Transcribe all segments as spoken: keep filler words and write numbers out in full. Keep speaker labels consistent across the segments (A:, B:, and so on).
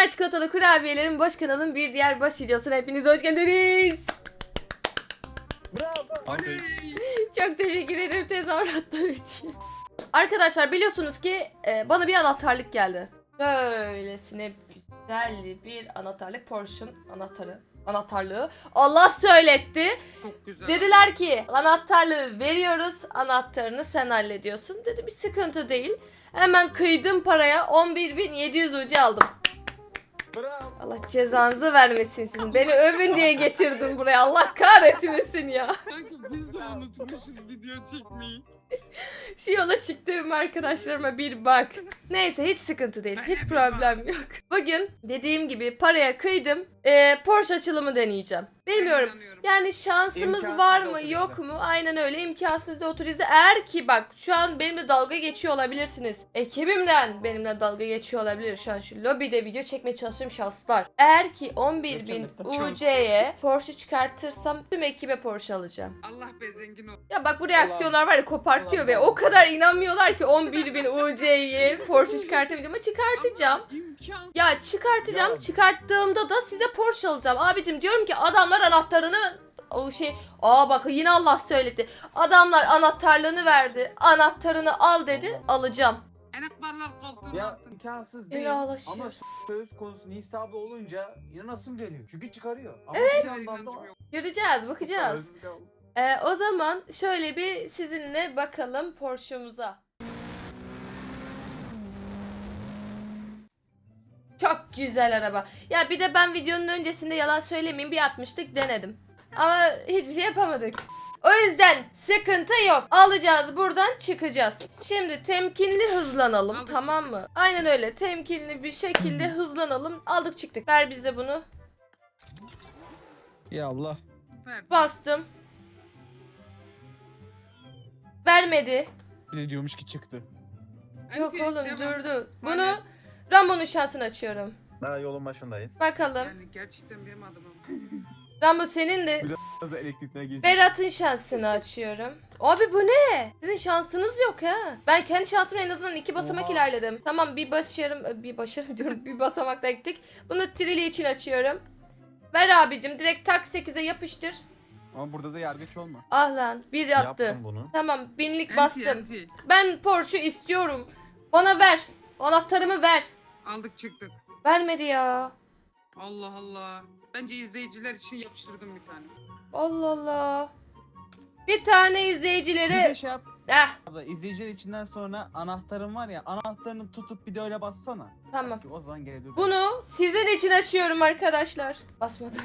A: Sümer çikolatalı kurabiyelerin boş kanalın bir diğer boş videosuna hepiniz hoş geldiniz.
B: Bravo.
A: Çok teşekkür ederim tezahüratlar için. Arkadaşlar biliyorsunuz ki e, bana bir anahtarlık geldi. Böylesine güzel bir anahtarlık, Porsche'un anahtarı. Anahtarlığı Allah söyletti.
C: Çok güzel.
A: Dediler ki anahtarlığı veriyoruz, anahtarını sen hallediyorsun. Dedi bir sıkıntı değil. Hemen kıydım paraya, on bir bin yedi yüz ucu aldım.
B: Bravo.
A: Allah cezanızı vermesin sizin. Beni övün diye getirdim buraya. Allah kahretmesin ya.
C: Sanki biz de unutmuşuz video çekmeyi.
A: Şu yola çıktığım arkadaşlarıma bir bak. Neyse hiç sıkıntı değil. Hiç problem yok. Bugün dediğim gibi paraya kıydım. Ee, Porsche açılımı deneyeceğim. Bilmiyorum. Yani şansımız
B: İmkansız
A: var
B: da
A: mı
B: oturizde.
A: yok mu? Aynen öyle, imkansız da oturizde. Eğer ki bak şu an benimle dalga geçiyor olabilirsiniz. Ekibimden benimle dalga geçiyor olabilir. Şu an şu lobide video çekmeye çalıştığım şahıslar. Eğer ki on bir bin U C'ye Porsche çıkartırsam tüm ekibe Porsche alacağım.
C: Allah be zengin ol.
A: Ya bak bu reaksiyonlar var ya kopartıyor
B: Allah
A: ve
B: Allah.
A: o kadar inanmıyorlar ki on bir bin U C'ye Porsche çıkartamayacağım ama çıkartacağım.
C: İmkansız.
A: Ya çıkartacağım.
B: Ya.
A: Çıkarttığımda da size Porsche alacağım. Abicim diyorum ki adamlar anahtarını o şey aa bak yine Allah söyledi. Adamlar anahtarlığını verdi. Anahtarını al dedi. Alacağım.
C: Enakbarlar koltuğuna
B: Ya
C: attın.
B: imkansız
A: El
B: değil
A: ağlaşıyor.
B: ama söz konusu nisabı olunca inanasım geliyor. Çünkü çıkarıyor. Ama
A: Evet.
B: bir yandan da
C: İnancım yok.
A: Göreceğiz, bakacağız. Ee, o zaman şöyle bir sizinle bakalım Porsche'umuza. Çok güzel araba. Ya bir de ben videonun öncesinde yalan söylemeyeyim bir atmıştık denedim. Ama hiçbir şey yapamadık. O yüzden sıkıntı yok. Alacağız buradan çıkacağız. Şimdi temkinli hızlanalım,
C: Aldık,
A: tamam mı? Aynen öyle temkinli bir şekilde hızlanalım. Aldık çıktık. Ver bize bunu.
B: Ya Allah.
C: Ver.
A: Bastım. Vermedi.
B: Bir de diyormuş ki çıktı.
A: Yok
C: Önce
A: oğlum
C: devam.
A: durdu. Bunu
C: Hani-
A: Rambo'nun şansını açıyorum.
D: Daha yolun başındayız.
A: Bakalım.
C: Yani gerçekten benim adımım.
A: Rambo senin de.
B: Biraz da elektrikine geçti.
A: Berat'ın şansını açıyorum. Abi bu ne? Sizin şansınız yok ha. Ben kendi şansımla en azından iki basamak
B: Oha.
A: ilerledim. Tamam bir başarım, bir başarım diyorum bir basamakta gittik. Bunu Trilli için açıyorum. Ver abicim direkt tak sekize yapıştır.
B: Ama burada da yargıç olma.
A: Ah lan bir attı.
D: Yaptım bunu.
A: Tamam binlik
C: Enti,
A: bastım.
C: enti.
A: Ben Porsche istiyorum. Bana ver. Anahtarımı ver.
C: Aldık çıktık.
A: Vermedi ya.
C: Allah Allah. Bence izleyiciler için yapıştırdım bir tane.
A: Allah Allah. Bir tane
B: Bir de
A: izleyicilere...
B: şey yap.
A: Eh
B: Abla izleyiciler içinden sonra anahtarın var ya anahtarını tutup bir de öyle bassana.
A: tamam.
B: Ki o zaman gelebilir.
A: Bunu sizin için açıyorum arkadaşlar. Basmadım.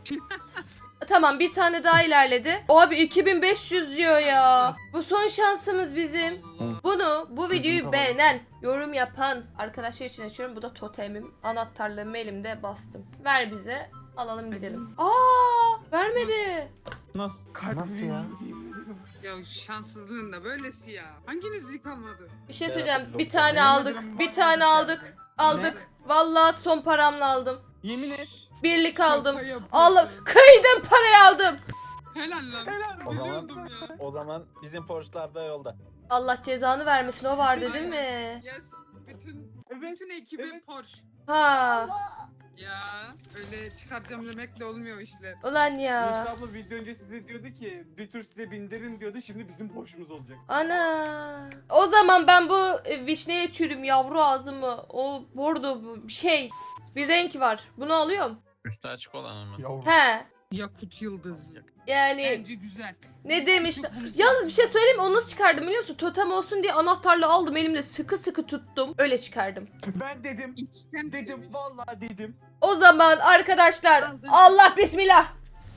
A: Tamam bir tane daha ilerledi. Abi iki bin beş yüz diyor ya. Bu son şansımız bizim.
C: Allah.
A: Bunu bu videoyu
B: kapalı.
A: beğenen, yorum yapan arkadaşlar için açıyorum. Bu da totemim. Anahtarlığımı elimde bastım. Ver bize. Alalım gidelim. Aa, vermedi.
B: Nasıl?
D: Nasıl ya?
C: Ya şanssızlığın da böylesi ya. Hanginiz zik almadı?
A: Bir şey
D: Ya,
A: söyleyeceğim.
D: yok
A: Bir
D: ya.
A: tane
B: Yemin
A: aldık.
B: ederim
A: Bir
B: var
A: tane
B: ya.
A: aldık. Aldık. Vallahi son paramla aldım.
B: Yemin et.
A: Birlik aldım.
C: Şaka yapıyorsun.
A: Allah kıydım parayı aldım.
C: Helal lan.
B: Helal.
D: O zaman-
C: Biliyordum ya.
D: O zaman bizim Porsche'lar da yolda.
A: Allah cezanı vermesin o vardı değil mi?
C: Yes. Bütün
B: Evet.
C: bütün ekibi
B: Evet.
C: Porsche.
A: Ha.
C: Ya öyle çıkaracağım demekle olmuyor işler.
A: Ulan ya.
B: Musa abla video önce size diyordu ki bir tur size bindirin diyordu şimdi bizim Porsche'umuz olacak.
A: Ana. O zaman ben bu e, vişneye çürüm yavru ağzımı. O bordo bu şey. Bir renk var. Bunu alıyorum.
D: Üstü açık olan mı?
B: Yavrum.
A: He.
C: Yakut yıldız.
A: Yani
C: Bence güzel.
A: ne demişler.
C: Çok bunu
A: Yalnız bir şey söyleyeyim mi? Onu nasıl çıkardım biliyor musun? Totem olsun diye anahtarla aldım elimde sıkı sıkı tuttum. Öyle çıkardım.
B: Ben dedim.
C: İçten
B: Dedim
C: demiş.
B: vallahi dedim.
A: O zaman arkadaşlar
C: Aldın.
A: Allah bismillah.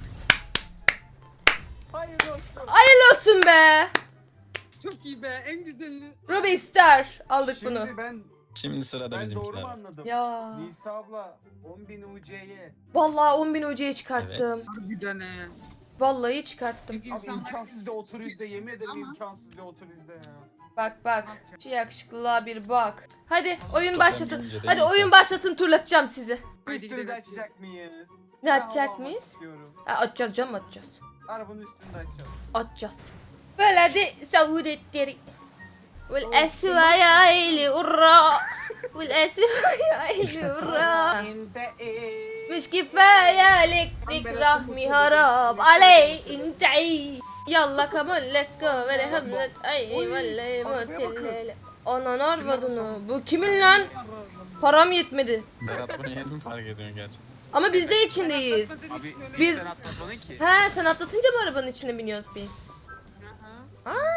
B: Hayır olsun.
A: Hayırlı olsun be.
C: Çok iyi be en güzelini.
A: Ruby Star aldık
B: Şimdi
A: bunu.
B: ben
D: Şimdi sırada
B: ben doğru mu
D: bizimkiler.
B: anladım?
A: Ya.
B: Nisa abla on bin U C'ye.
A: Vallahi on bin hocaya çıkarttım.
C: Harbiden he.
A: Vallahi çıkarttım.
C: Çünkü
B: Abi
C: insanlar
B: imkansız da otur izle yemin ederim
C: Ama-
B: imkansız da otur izle ya.
A: Bak bak.
C: Ne yapacağım?
A: Şu yakışıklılığa bir bak. Hadi oyun
D: Totem
A: başlatın.
D: deyince de
A: Hadi
D: insan-
A: oyun başlatın turlatacağım sizi.
C: Haydi
B: Üstünü de
C: gidelim.
B: açacak mıyız?
A: Ne
B: Ben
A: yapacak
B: hava
A: mıyız?
B: almak istiyorum.
A: Ha, açacağız canım açacağız.
B: Arabanın üstünde açacağız.
A: Açacağız. Böyle de Saudetleri. والأسوأ يا عيلي ورا والأسوأ يا عيلي ورا مش كفاية لك تكرهني هرب علي انت عي يلا كمان let's go böyle hamlet ay vallahi motel Ananı arvadını bu kimin lan? Param yetmedi.
D: Berat bunu yeni mi fark ediyorsun gerçekten?
A: Ama biz de içindeyiz.
C: Abi
A: Biz-
C: sen atlatmadın ki.
A: He sen atlatınca mı arabanın içine biniyoruz biz?
C: Aha.
A: Aa.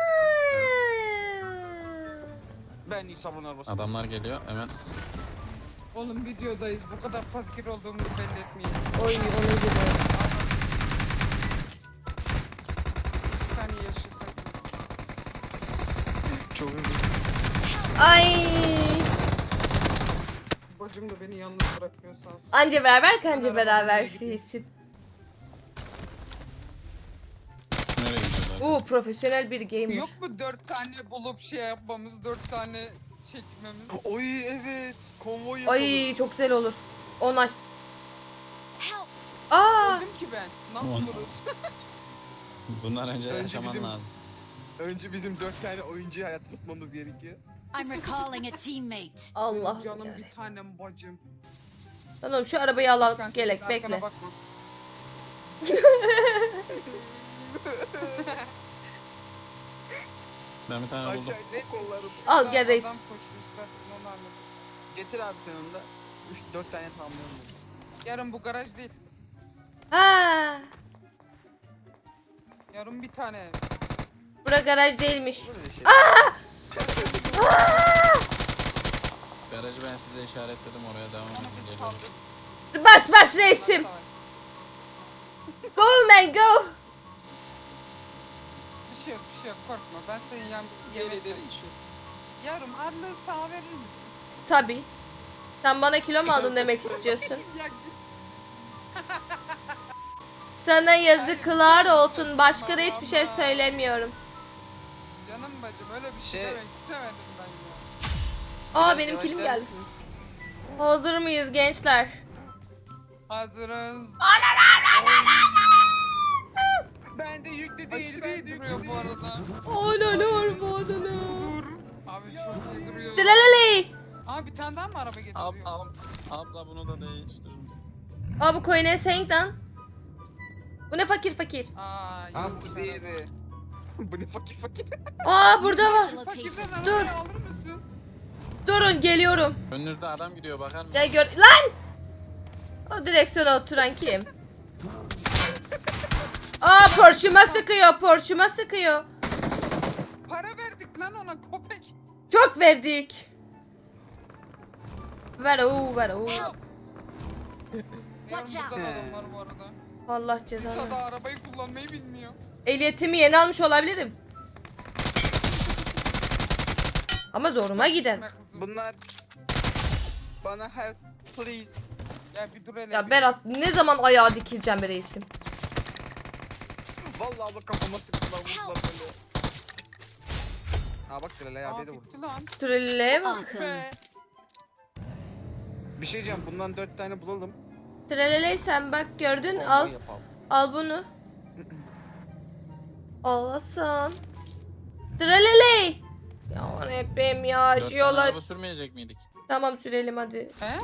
B: Ben İsa'nın arabası.
D: Adamlar geliyor hemen.
C: Oğlum videodayız. Bu kadar fakir olduğumuzu belli etmeyin.
A: Oy onu gibi.
C: Bir saniye yaşasak.
B: Çok hızlı.
A: Ay.
C: Bacım da beni yalnız bırakmıyor sağ olsun.
A: Anca beraber kanca beraber reisim.
D: Nereye gidiyorlar?
A: Oo profesyonel bir gamer.
C: Yok mu dört tane bulup şey yapmamız, dört tane çekmemiz?
B: Oy evet. Konvoy yapalım.
A: Ay çok güzel olur. Onay. Aa.
C: Öldüm ki ben. Ne
D: On-
C: yapıyoruz?
D: Bunlar önce
B: Önce
D: yaşaman
B: bizim-
D: lazım.
B: Önce bizim dört tane oyuncuyu hayatta tutmamız gerekiyor.
E: I'm recalling a teammate.
A: Allah.
C: Canım
A: yani.
C: bir tanem bacım.
A: Tamam şu arabayı al
C: Kanka,
A: gelek
C: arkana
A: bekle.
C: bakma.
D: Ben bir tane buldum.
C: Neyse,
B: kollarım.
A: Al,
C: şuradan
A: gel reis.
C: adam koşuyor, istersen onu anlat.
B: Getir abi sen onu da. üç dört tane tamamlayalım.
C: Yarın bu garaj değil.
A: Ha.
C: Yarın bir tane.
A: Bura garaj değilmiş.
B: Böyle şey.
D: Garajı ben size işaretledim, oraya devam
C: Ama
D: edin.
C: biz
D: Geliyorum.
C: kaldık.
A: Bas bas reisim. Go man go.
C: Bir şey yok, bir şey yok. Korkma. Ben senin yan yemek Yarım arlığı sağ verir misin?
A: Tabi. Sen bana kilo mu aldın demek istiyorsun?
C: Ya git.
A: Sana yazıklar olsun. Başka da hiçbir şey söylemiyorum.
C: Canım bacım öyle bir şey,
B: Şey-
C: demek istemedim ben ya.
A: Aa benim kilim geldi. Hazır mıyız gençler?
C: Hazırız.
B: Ben de yüklü değil.
C: Aşırı
B: Ben
C: iyi
B: de yüklü
C: duruyor bu
B: değil.
C: arada.
A: Ananı arvadını.
C: Dur. Abi çok iyi duruyor.
A: Dilalali.
C: Aa bir tane daha mı araba getiriyor?
D: Ab, ab, abla bunu da değiştirir misin?
A: Aa bu koyun senk lan. Bu ne fakir fakir.
C: Aa,
B: Abi
C: yanlış
B: bu
C: araba.
B: diğeri. Bu ne fakir fakir.
A: Aa burada var.
C: Fakirden
A: Dur.
C: arabayı alır mısın?
A: Durun geliyorum.
D: Önünüzde adam gidiyor, bakar mısın?
A: Ya gör lan. O direksiyona oturan kim? Aa porçuma sıkıyor, porçuma sıkıyor.
C: Para verdik lan ona köpek.
A: Çok verdik. Ver o, ver o.
C: Yarın
E: Watch out.
C: burada da adam var bu arada.
A: Allah
C: İsa
A: cezanı.
C: da arabayı kullanmayı bilmiyor.
A: Ehliyetimi yeni almış olabilirim. Ama zoruma gider.
B: Bunlar bana help please.
C: Ya bir dur hele.
A: Ya
C: bir-
A: Berat ne zaman ayağa dikileceğim be reisim?
B: Vallahi Allah kafama sıktılar vurdular böyle. Ha bak Trelay
C: Aa
B: abiye de vurdu.
C: bitti lan.
A: Trelle'ye mi?
E: Awesome.
C: Be.
B: Bir şey diyeceğim bundan dört tane bulalım.
A: Trelle'yi sen bak gördün
B: Konvoy
A: al.
B: yapalım.
A: Al bunu. Allah'san. Trelle'yi. Ya hepim ya
D: Dört
A: şu
D: tane
A: yola.
D: araba sürmeyecek miydik?
A: Tamam sürelim hadi.
C: He?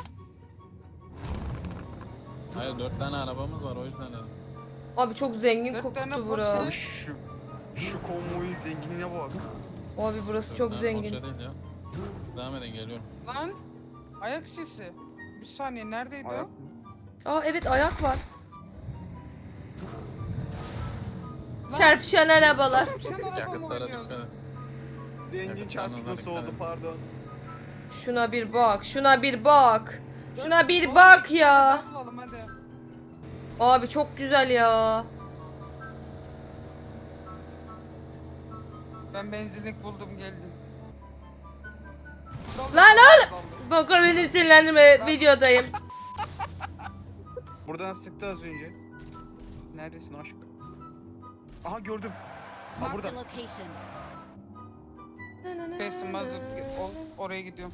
D: Hayır, dört tane arabamız var, o yüzden dedim.
A: Abi çok zengin
C: Dört tane
A: koktu
C: Porsche.
A: bura.
B: Abi şu şu konvoyun zenginliğine bak.
A: Abi burası
D: Dört
A: çok
D: tane
A: zengin.
D: Porsche değil ya. Devam edin, geliyorum.
C: Lan. Ayak sesi. Bir saniye neredeydi
B: Ayak.
C: o?
A: Aa evet ayak var.
C: Lan.
A: Çarpışan arabalar.
C: Sen araba mı
D: Yakıtlara
C: oynuyorsun?
D: dikkat et.
B: Zengin
D: Yakıtlarınıza
B: çarpışması
D: dikkat
B: oldu
D: edin.
B: pardon.
A: Şuna bir bak, şuna bir bak. Şuna bir
C: Oğlum,
A: bak
C: bir tane
A: ya.
C: daha bulalım hadi.
A: Abi çok güzel ya.
C: Ben benzinlik buldum geldim.
A: Lan oğlum. Bak beni sinirlendirme, videodayım.
B: Buradan sıktı az önce. Neredesin aşk? Aha gördüm. Ha
E: Marked
B: burada.
E: a location.
C: Besim hazır. O, oraya gidiyorum.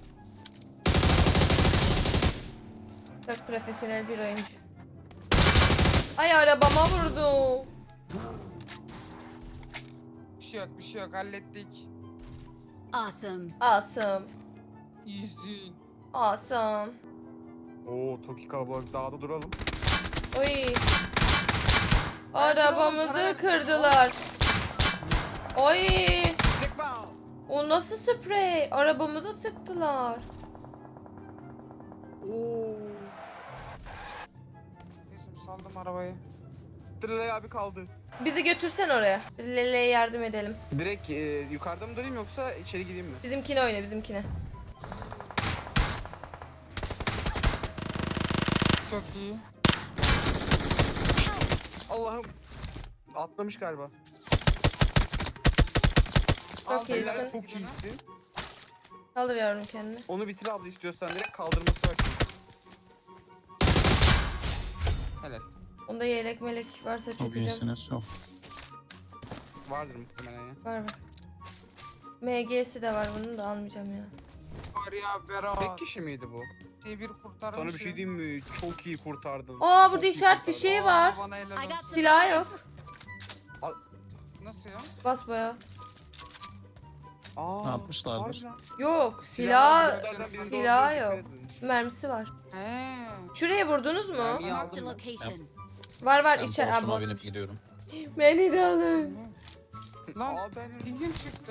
A: Çok profesyonel bir oyuncu. Ay arabama vurdu.
C: Bir şey yok bir şey yok hallettik.
E: Awesome.
A: Awesome.
C: Easy.
A: Awesome.
B: Oo Toki kalabalık dağda duralım.
A: Oy. Arabamızı kırdılar. Oy. O nasıl sprey? Arabamıza sıktılar.
B: Oo.
C: Neyse saldım arabayı.
B: Trilay abi kaldı.
A: Bizi götürsen oraya. Lele'ye yardım edelim.
B: Direkt e, yukarıda mı durayım yoksa içeri gireyim mi?
A: Bizimkine oyna, bizimkine.
C: Çok iyi.
B: Allah'ım. Atlamış galiba.
A: Çok
C: Aldım.
A: iyisin.
B: Helal, çok iyisin.
A: Kaldır yavrum kendini.
B: Onu bitir abla istiyorsan direkt kaldırması var. Helal.
A: Onda yelek melek varsa
D: Çok
A: çökeceğim.
D: iyisiniz çok.
B: Vardır muhtemelen ya.
A: Var var. M G'si de var, bunu da almayacağım ya.
C: Var ya Berat.
B: Tek kişi miydi bu?
C: Şey bir kurtarmış.
B: Sana bir şey diyeyim mi? Çok iyi kurtardın.
A: Aa,
B: Çok
A: burada
B: iyi
A: işaret
B: kurtardın.
A: fişeği var.
C: Bana helal
E: I
C: olsun.
E: got
A: Silah yok.
E: supplies.
C: Nasıl ya?
A: Basbaya.
B: Aa,
D: Ne yapmışlardır?
B: harbiden.
A: Yok, silah
B: Silahlardan birinde
A: silah
B: olduğuna
A: yok.
B: dikkat edin.
A: Mermisi var.
C: He.
A: Şuraya vurdunuz mu?
B: Mermiyi
E: Marked a
B: aldım ben.
E: location.
A: Var var
D: Ben
A: içeri.
D: Porsche'ma
A: Aa,
D: binip
A: bozmuş.
D: gidiyorum.
A: Beni de alın.
C: Lan
B: Aa, ben...
C: pingim çıktı.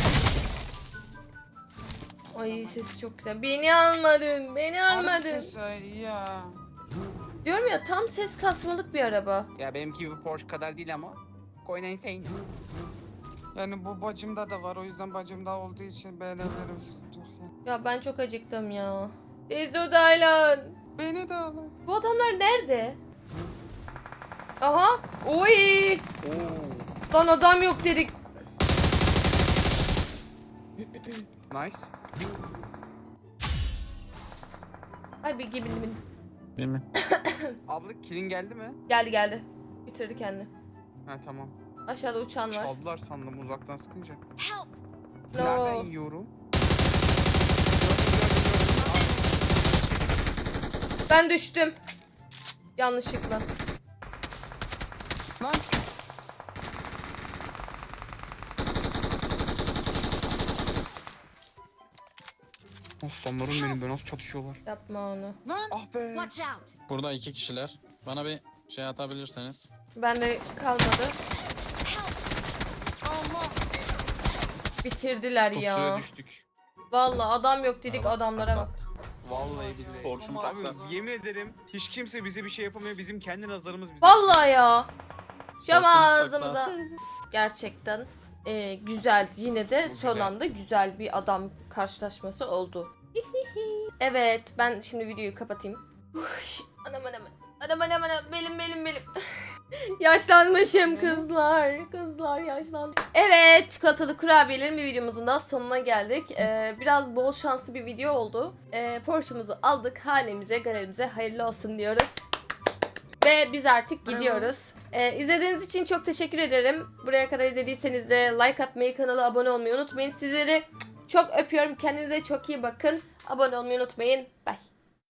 A: Ay sesi çok güzel. Beni almadın. Beni
C: Harbi
A: almadın.
C: ses ya.
A: Diyorum ya, tam ses kasmalık bir araba.
B: Ya benimki gibi Porsche kadar değil ama. Koyun sen.
C: Yani bu bacımda da var, o yüzden bacımda olduğu için beğenebilirim, sıkıntı yok ya.
A: Ya ben çok acıktım ya. Desert Island.
C: Beni de alın.
A: Bu adamlar nerede? Aha. Oy.
B: Oo.
A: Lan adam yok dedik.
B: Nice.
A: Ay bir gibi bin.
D: Değil mi?
B: Abla kilin geldi mi?
A: Geldi geldi. Bitirdi kendini.
B: Ha tamam.
A: Aşağıda uçan var.
B: Çaldılar sandım uzaktan sıkınca.
E: Help.
B: Nereden
A: No.
B: yiyorum?
A: Ben düştüm. Yanlışlıkla.
C: Lan
B: Aslanlarım benim be nasıl çatışıyorlar.
A: Yapma onu.
C: lan.
B: Ah be.
E: Watch out.
D: Burada iki kişiler. Bana bir şey atabilirseniz.
A: Bende kalmadı.
C: Allah.
A: Bitirdiler
B: Pusuya
A: ya.
B: düştük.
A: Vallahi adam yok dedik,
D: Araba,
A: adamlara
D: bak,
A: bak.
B: Vallahi billahi.
D: Porsche'um
B: Abi
D: takla.
B: yemin ederim hiç kimse bize bir şey yapamıyor. Bizim kendi nazarımız bize.
A: Vallahi ya. Şam
D: Korkunç
A: ağzımıza. Gerçekten e, güzel. Yine de
B: Bu
A: son
B: güzel.
A: anda güzel bir adam karşılaşması oldu. Evet, ben şimdi videoyu kapatayım. Uy, anam anam. Anam anam anam. Belim belim belim. Yaşlanmışım kızlar. Kızlar yaşlandı. Evet, çikolatalı kurabiyelerin bir videomuzun da sonuna geldik. Ee, biraz bol şanslı bir video oldu. Ee, Porsche'muzu aldık. Hanemize, galerimize hayırlı olsun diyoruz. Ve biz artık gidiyoruz. Ee, izlediğiniz için çok teşekkür ederim. Buraya kadar izlediyseniz de like atmayı, kanala abone olmayı unutmayın. Sizleri çok öpüyorum. Kendinize çok iyi bakın. Abone olmayı unutmayın. Bye.